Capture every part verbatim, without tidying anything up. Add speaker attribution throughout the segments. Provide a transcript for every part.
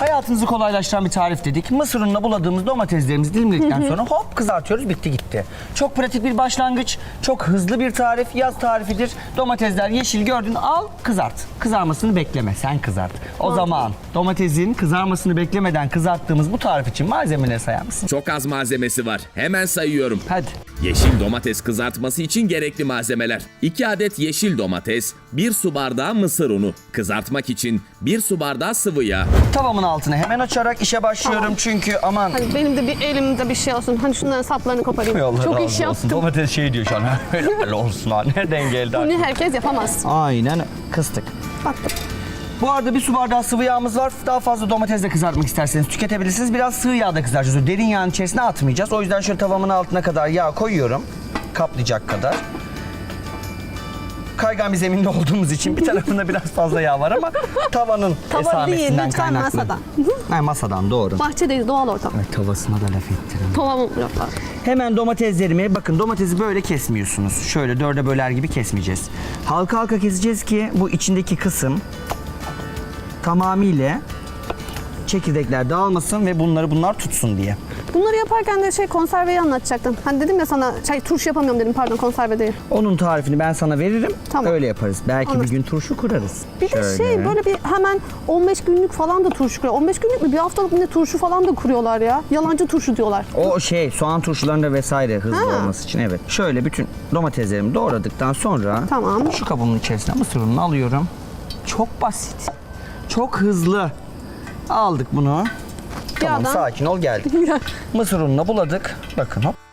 Speaker 1: Hayatınızı kolaylaştıran bir tarif dedik. Mısır ununa buladığımız domateslerimizi dilimledikten sonra hop kızartıyoruz, bitti gitti. Çok pratik bir başlangıç, çok hızlı bir tarif, yaz tarifidir. Domatesler yeşil gördün, al kızart. Kızarmasını bekleme, sen kızart. O
Speaker 2: Tamam.
Speaker 1: zaman domatesin kızarmasını beklemeden kızarttığımız bu tarif için malzemeleri sayar mısın?
Speaker 3: Çok az malzemesi var. Hemen sayıyorum.
Speaker 1: Hadi.
Speaker 3: Yeşil domates kızartması için gerekli malzemeler: iki adet yeşil domates, bir su bardağı mısır unu, kızartmak için bir su bardağı sıvı yağ.
Speaker 1: Tavamın altını hemen açarak işe başlıyorum
Speaker 2: Tamam.
Speaker 1: çünkü aman...
Speaker 2: Hadi benim de bir elimde bir şey olsun. Hani şunların saplarını koparayım.
Speaker 1: Allah
Speaker 2: Çok
Speaker 1: razı
Speaker 2: iş
Speaker 1: olsun.
Speaker 2: yaptım.
Speaker 1: Domates şey diyor şu an. Helal olsun ha. Nereden geldi?
Speaker 2: Bunu herkes yapamaz.
Speaker 1: Aynen kıstık.
Speaker 2: Baktım.
Speaker 1: Bu arada bir su bardağı sıvı yağımız var. Daha fazla domatesle kızartmak isterseniz tüketebilirsiniz. Biraz sığ yağda kızartacağız. Derin yağın içerisine atmayacağız. O yüzden şöyle tavamın altına kadar yağ koyuyorum. Kaplayacak kadar. Kaygan bir zeminde olduğumuz için bir tarafında biraz fazla yağ var ama tavanın
Speaker 2: Tava değil,
Speaker 1: esamesinden
Speaker 2: lütfen
Speaker 1: kaynaklı.
Speaker 2: masadan.
Speaker 1: Ha, masadan doğru.
Speaker 2: Bahçedeyiz, doğal ortam.
Speaker 1: Ay, tavasına da laf ettirin.
Speaker 2: Tamam yapar.
Speaker 1: Hemen domateslerimi, bakın domatesi böyle kesmiyorsunuz. Şöyle dörde böler gibi kesmeyeceğiz. Halka halka keseceğiz ki bu içindeki kısım tamamıyla çekirdekler dağılmasın ve bunları bunlar tutsun diye.
Speaker 2: Bunları yaparken de şey konserveyi anlatacaktım. Hani dedim ya sana şey turşu yapamıyorum dedim, pardon konserve değil.
Speaker 1: Onun tarifini ben sana veririm.
Speaker 2: Tamam.
Speaker 1: Öyle yaparız. Belki
Speaker 2: Anlaştık.
Speaker 1: bir gün turşu kurarız.
Speaker 2: Bir de
Speaker 1: Şöyle.
Speaker 2: şey böyle bir hemen on beş günlük falan da turşu kuruyor. on beş günlük mü bir haftalık ne turşu falan da kuruyorlar ya. Yalancı turşu diyorlar.
Speaker 1: O şey soğan turşularında vesaire hızlı
Speaker 2: Ha.
Speaker 1: olması için evet. Şöyle bütün domateslerimi doğradıktan sonra
Speaker 2: Tamam.
Speaker 1: şu kabımın içerisine mısır ununu alıyorum. Çok basit. Çok hızlı. Aldık bunu. Tamam
Speaker 2: Yağdan-
Speaker 1: sakin ol geldik. Mısır ununu buladık. Bakın hop.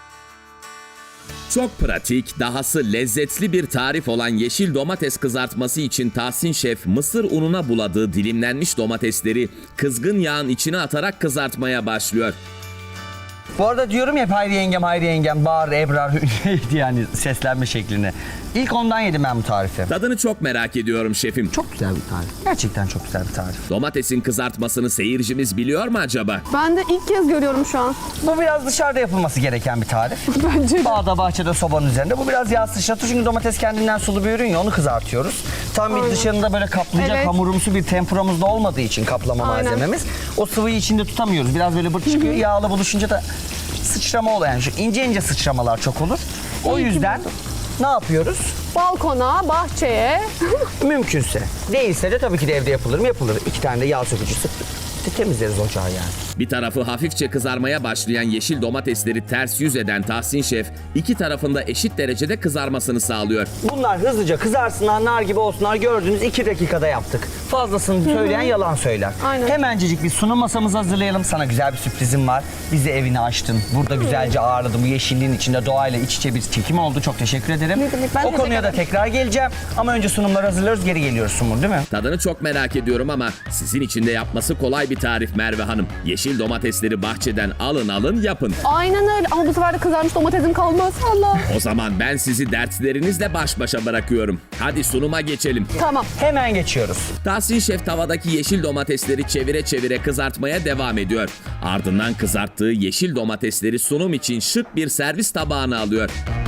Speaker 3: Çok pratik, dahası lezzetli bir tarif olan yeşil domates kızartması için Tahsin Şef mısır ununa buladığı dilimlenmiş domatesleri kızgın yağın içine atarak kızartmaya başlıyor.
Speaker 1: Bu arada diyorum ya hep Hayri yengem, Hayri yengem, Bahar, Ebrar neydi yani seslenme şeklini. İlk ondan yedim ben bu tarifi.
Speaker 3: Tadını çok merak ediyorum şefim.
Speaker 1: Çok güzel bir tarif. Gerçekten çok güzel bir tarif.
Speaker 3: Domatesin kızartmasını seyircimiz biliyor mu acaba?
Speaker 2: Ben de ilk kez görüyorum şu an.
Speaker 1: Bu biraz dışarıda yapılması gereken bir tarif.
Speaker 2: Bence de.
Speaker 1: Bağda, bahçede, sobanın üzerinde. Bu biraz yağ sıçratır çünkü domates kendinden sulu bir ürün ya, onu kızartıyoruz. Tam bir
Speaker 2: Aynen.
Speaker 1: dışında böyle kaplayacak
Speaker 2: Evet.
Speaker 1: hamurumsu bir tempuramız da olmadığı için kaplama
Speaker 2: Aynen.
Speaker 1: malzememiz. O sıvıyı içinde tutamıyoruz. Biraz böyle bırt çıkıyor. Yağla buluşunca da sıçrama oluyor. Yani şu ince ince sıçramalar çok olur. O
Speaker 2: İyi ki
Speaker 1: yüzden
Speaker 2: buldum.
Speaker 1: ne yapıyoruz?
Speaker 2: Balkona, bahçeye.
Speaker 1: Mümkünse. Değilse de tabii ki de evde yapılır mı? Yapılır. İki tane de yağ sökücü sıktık. Temizleriz ocağı yani.
Speaker 3: Bir tarafı hafifçe kızarmaya başlayan yeşil domatesleri ters yüz eden Tahsin Şef, iki tarafında eşit derecede kızarmasını sağlıyor.
Speaker 1: Bunlar hızlıca kızarsınlar, nar gibi olsunlar. Gördüğünüz iki dakikada yaptık. Fazlasını söyleyen yalan söyler.
Speaker 2: Aynen.
Speaker 1: Hemencecik bir sunum masamızı hazırlayalım. Sana güzel bir sürprizim var. Bizi evine açtın. Burada güzelce ağırladın. Bu yeşilliğin içinde doğayla iç içe bir çekim oldu. Çok teşekkür ederim.
Speaker 2: Ne demek, ben
Speaker 1: o
Speaker 2: teşekkür
Speaker 1: konuya da
Speaker 2: ederim.
Speaker 1: tekrar geleceğim. Ama önce sunumları hazırlıyoruz. Geri geliyoruz Sumur, değil mi?
Speaker 3: Tadını çok merak ediyorum ama sizin için de yapması kolay bir tarif Merve Hanım. Yeşil domatesleri bahçeden alın alın yapın.
Speaker 2: Aynen öyle ama bu sefer de kızarmış domatesim kalmaz. Allah.
Speaker 3: O zaman ben sizi dertlerinizle baş başa bırakıyorum. Hadi sunuma geçelim.
Speaker 2: Tamam.
Speaker 1: Hemen geçiyoruz.
Speaker 3: Tahsin Şef tavadaki yeşil domatesleri çevire çevire kızartmaya devam ediyor. Ardından kızarttığı yeşil domatesleri sunum için şık bir servis tabağına alıyor.